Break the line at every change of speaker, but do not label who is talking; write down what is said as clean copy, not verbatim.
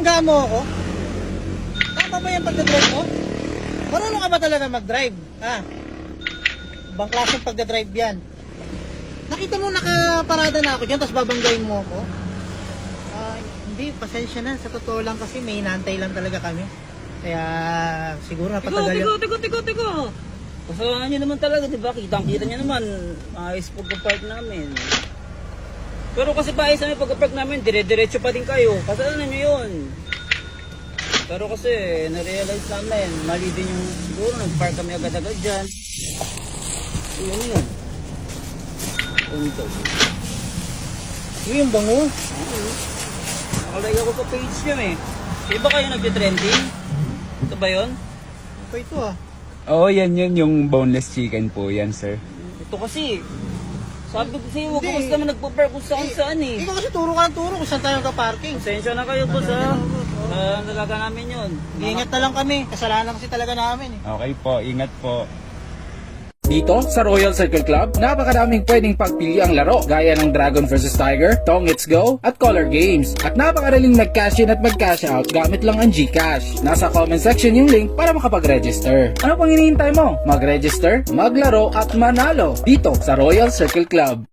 binabangga mo ako? Tama ba yung pagdadrive mo? Marunong ka ba talaga mag-drive? Ha? Ibang klaseng pagdadrive yan. Nakita mo nakaparada na ako dyan, tapos babanggain mo ako? Hindi, pasensya na. Sa totoo lang kasi may inaantay lang talaga kami. Kaya siguro napatagal yung...
Tiko. Kasalanan nyo naman talaga, di ba? Kitang-kita nyo naman. Ayos pagka-park namin. Pero kasi paayos namin pagka-park namin, dire-diretso pa din kayo. Kasalanan nyo yun. Pero kasi, na-realize namin, mali din yung siguro, nag-park kami agad-agad dyan. Yun. Punto.
Yung bango.
Nakalagay ako sa page nyo eh. Di ba kayo nagtitrending? Ito ba yun?
Ito ito ah.
Oo, yan yung boneless chicken po yan, sir.
Ito kasi, sabi ko sa'yo, huwag
Hindi.
ka kasi naman nagpa-park kung saan eh.
Ikaw kasi turo ka ng turo kung saan tayo ka-parking.
Pasensya na kayo po sa nalaga namin yun.
Iingat na lang kami. Kasalanan kasi talaga namin eh.
Okay po, ingat po.
Dito sa Royal Circle Club, napakadaming pwedeng pagpili ang laro gaya ng Dragon vs Tiger, Tong It's Go at Color Games. At napakadaling mag-cash in at mag-cash out gamit lang ang GCash. Nasa comment section yung link para makapag-register. Ano pang hinihintay mo? Mag-register, maglaro at manalo dito sa Royal Circle Club.